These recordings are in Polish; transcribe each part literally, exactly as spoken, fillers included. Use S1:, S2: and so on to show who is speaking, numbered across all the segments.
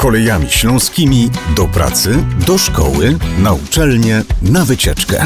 S1: Kolejami śląskimi do pracy, do szkoły, na uczelnię, na wycieczkę.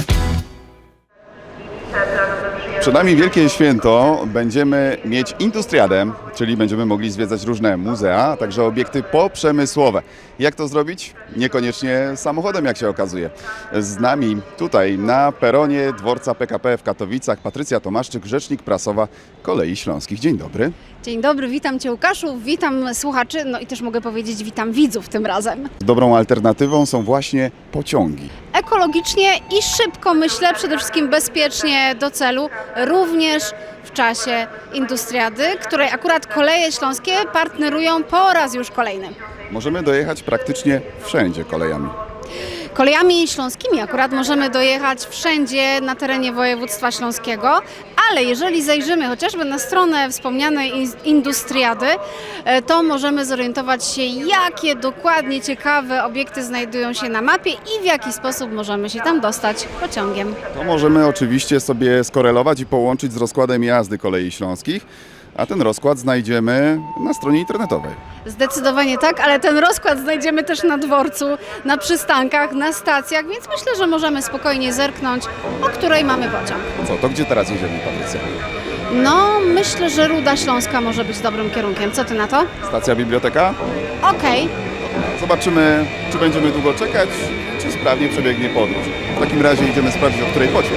S2: Przed nami wielkie święto. Będziemy mieć Industriadę, czyli będziemy mogli zwiedzać różne muzea, a także obiekty poprzemysłowe. Jak to zrobić? Niekoniecznie samochodem, jak się okazuje. Z nami tutaj na peronie dworca P K P w Katowicach Patrycja Tomaszczyk, rzecznik prasowa Kolei Śląskich. Dzień dobry.
S3: Dzień dobry, witam Cię Łukaszu, witam słuchaczy, no i też mogę powiedzieć witam widzów tym razem.
S2: Dobrą alternatywą są właśnie pociągi.
S3: Ekologicznie i szybko, myślę, przede wszystkim bezpiecznie do celu, również w czasie Industriady, której akurat Koleje Śląskie partnerują po raz już kolejny.
S2: Możemy dojechać praktycznie wszędzie kolejami.
S3: Kolejami śląskimi akurat możemy dojechać wszędzie na terenie województwa śląskiego, ale jeżeli zajrzymy chociażby na stronę wspomnianej Industriady, to możemy zorientować się, jakie dokładnie ciekawe obiekty znajdują się na mapie i w jaki sposób możemy się tam dostać pociągiem.
S2: To możemy oczywiście sobie skorelować i połączyć z rozkładem jazdy Kolei Śląskich, a ten rozkład znajdziemy na stronie internetowej.
S3: Zdecydowanie tak, ale ten rozkład znajdziemy też na dworcu, na przystankach, na stacjach, więc myślę, że możemy spokojnie zerknąć, o której mamy pociąg.
S2: Co, to gdzie teraz jedziemy, Patrycja?
S3: No, myślę, że Ruda Śląska może być dobrym kierunkiem. Co Ty na to?
S2: Stacja biblioteka?
S3: Okej.
S2: Zobaczymy, czy będziemy długo czekać, czy sprawnie przebiegnie podróż. W takim razie idziemy sprawdzić, o której pociąg.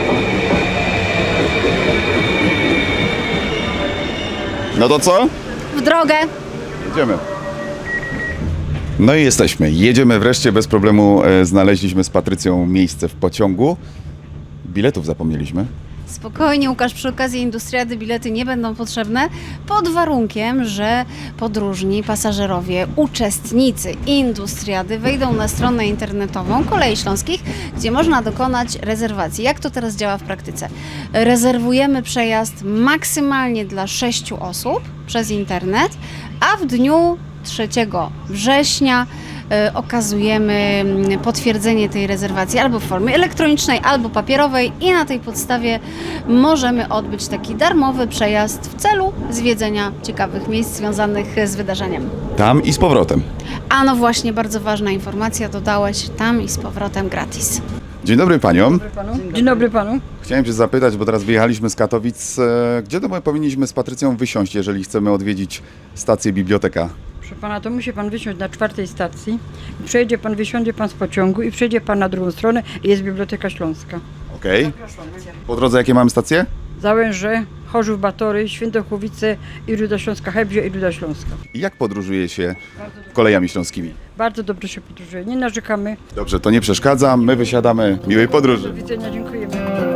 S2: No to co?
S3: W drogę.
S2: Jedziemy. No i jesteśmy. Jedziemy wreszcie, bez problemu e, znaleźliśmy z Patrycją miejsce w pociągu. Biletów zapomnieliśmy.
S3: Spokojnie, Łukasz, przy okazji Industriady bilety nie będą potrzebne, pod warunkiem, że podróżni, pasażerowie, uczestnicy Industriady wejdą na stronę internetową Kolei Śląskich, gdzie można dokonać rezerwacji. Jak to teraz działa w praktyce? Rezerwujemy przejazd maksymalnie dla sześciu osób przez internet, a w dniu trzeciego września y, okazujemy potwierdzenie tej rezerwacji albo w formie elektronicznej, albo papierowej i na tej podstawie możemy odbyć taki darmowy przejazd w celu zwiedzenia ciekawych miejsc związanych z wydarzeniem.
S2: Tam i z powrotem.
S3: A no właśnie, bardzo ważna informacja, dodałeś, tam i z powrotem gratis.
S2: Dzień dobry paniom.
S4: Dzień dobry panu.
S2: Chciałem się zapytać, bo teraz wyjechaliśmy z Katowic, e, gdzie to my powinniśmy z Patrycją wysiąść, jeżeli chcemy odwiedzić stację biblioteka?
S4: Proszę pana, to musi pan wysiąść na czwartej stacji. Przejedzie pan, wysiądzie pan z pociągu i przejdzie pan na drugą stronę i jest Biblioteka Śląska.
S2: Okej. Po drodze jakie mamy stacje?
S4: Załęże, Chorzów, Batory, Świętochłowice i Ruda Śląska, Hebzie i Ruda Śląska.
S2: I jak podróżuje się kolejami śląskimi?
S4: Bardzo dobrze się podróżuje, nie narzekamy.
S2: Dobrze, to nie przeszkadza, my wysiadamy. Miłej podróży.
S4: Do widzenia, dziękujemy.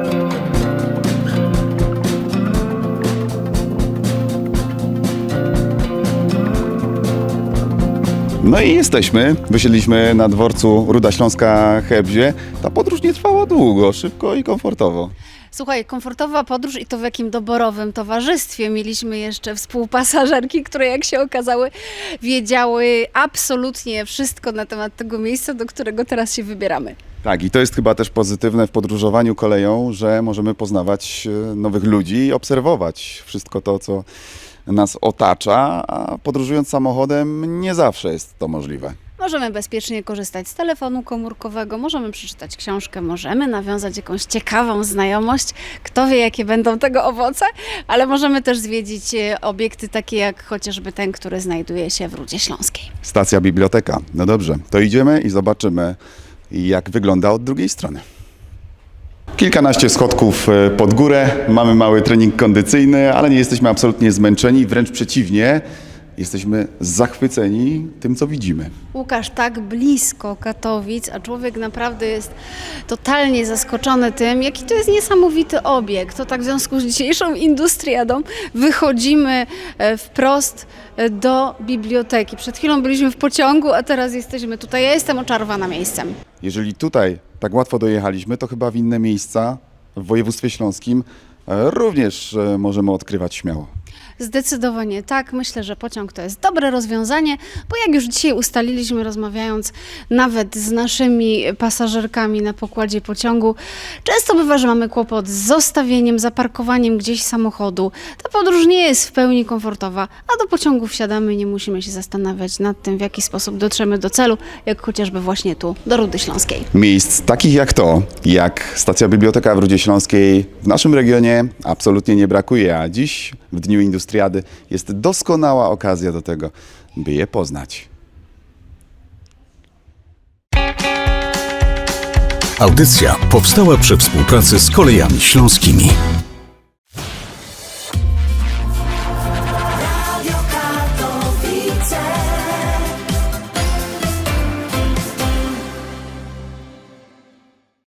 S2: No i jesteśmy. Wysiedliśmy na dworcu Ruda Śląska Hebzie. Ta podróż nie trwała długo, szybko i komfortowo.
S3: Słuchaj, komfortowa podróż i to w jakim doborowym towarzystwie. Mieliśmy jeszcze współpasażerki, które jak się okazały wiedziały absolutnie wszystko na temat tego miejsca, do którego teraz się wybieramy.
S2: Tak, i to jest chyba też pozytywne w podróżowaniu koleją, że możemy poznawać e, nowych ludzi i obserwować wszystko to, co nas otacza, a podróżując samochodem nie zawsze jest to możliwe.
S3: Możemy bezpiecznie korzystać z telefonu komórkowego, możemy przeczytać książkę, możemy nawiązać jakąś ciekawą znajomość. Kto wie, jakie będą tego owoce, ale możemy też zwiedzić obiekty takie jak chociażby ten, który znajduje się w Rudzie Śląskiej.
S2: Stacja biblioteka. No dobrze, to idziemy i zobaczymy, jak wygląda od drugiej strony. Kilkanaście schodków pod górę, mamy mały trening kondycyjny, ale nie jesteśmy absolutnie zmęczeni, wręcz przeciwnie. Jesteśmy zachwyceni tym, co widzimy.
S3: Łukasz, tak blisko Katowic, a człowiek naprawdę jest totalnie zaskoczony tym, jaki to jest niesamowity obiekt. To tak w związku z dzisiejszą Industriadą wychodzimy wprost do biblioteki. Przed chwilą byliśmy w pociągu, a teraz jesteśmy tutaj. Ja jestem oczarowana miejscem.
S2: Jeżeli tutaj tak łatwo dojechaliśmy, to chyba w inne miejsca w województwie śląskim również możemy odkrywać śmiało.
S3: Zdecydowanie tak. Myślę, że pociąg to jest dobre rozwiązanie, bo jak już dzisiaj ustaliliśmy, rozmawiając nawet z naszymi pasażerkami na pokładzie pociągu, często bywa, że mamy kłopot z zostawieniem, zaparkowaniem gdzieś samochodu. Ta podróż nie jest w pełni komfortowa, a do pociągu wsiadamy i nie musimy się zastanawiać nad tym, w jaki sposób dotrzemy do celu, jak chociażby właśnie tu, do Rudy Śląskiej.
S2: Miejsc takich jak to, jak stacja Biblioteka w Rudzie Śląskiej w naszym regionie absolutnie nie brakuje, a dziś w Dniu Industriady jest doskonała okazja do tego, by je poznać.
S1: Audycja powstała przy współpracy z Kolejami Śląskimi.